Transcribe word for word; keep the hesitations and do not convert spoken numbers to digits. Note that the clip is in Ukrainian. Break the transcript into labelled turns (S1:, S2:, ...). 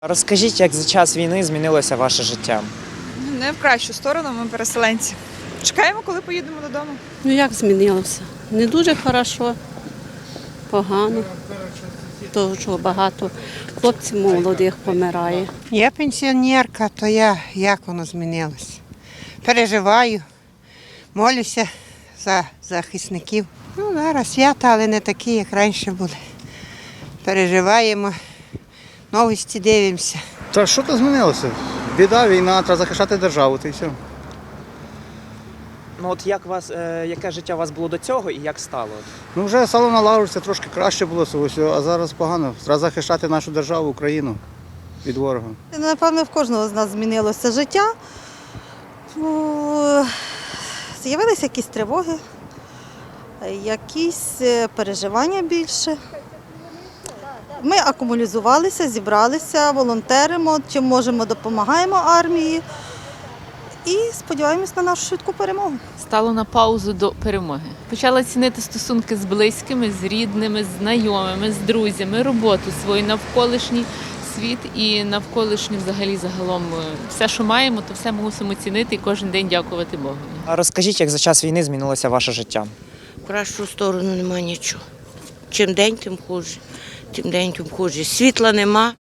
S1: Розкажіть, як за час війни змінилося ваше життя?
S2: Не в кращу сторону, ми переселенці. Чекаємо, коли поїдемо додому.
S3: Ну як змінилося? Не дуже хорошо, погано. Того, що багато хлопців молодих помирає.
S4: Я пенсіонерка, то я як воно змінилося. Переживаю, молюся за захисників. Ну, зараз свята, але не такі, як раніше були. Переживаємо, новості дивимося.
S5: Та що то змінилося? Біда, війна, треба захищати державу, та й все.
S1: Ну от як вас, е, яке життя у вас було до цього і як стало?
S5: Ну вже стало налагодитися, трошки краще було цього всього, а зараз погано. Треба захищати нашу державу, Україну від ворога.
S6: Напевно, в кожного з нас змінилося життя. Ну, з'явилися якісь тривоги, якісь переживання більше. Ми акумулізувалися, зібралися, волонтеримо, чим можемо, допомагаємо армії і сподіваємось на нашу швидку перемогу.
S7: Стало на паузу до перемоги. Почала цінити стосунки з близькими, з рідними, з знайомими, з друзями, роботу свою, навколишній світ і навколишній взагалі загалом все, що маємо, то все мусимо цінити і кожен день дякувати Богу.
S1: А розкажіть, як за час війни змінилося ваше життя?
S8: В кращу сторону немає нічого. Чим день, тим хуже. Тим день, тим хуже. Світла нема.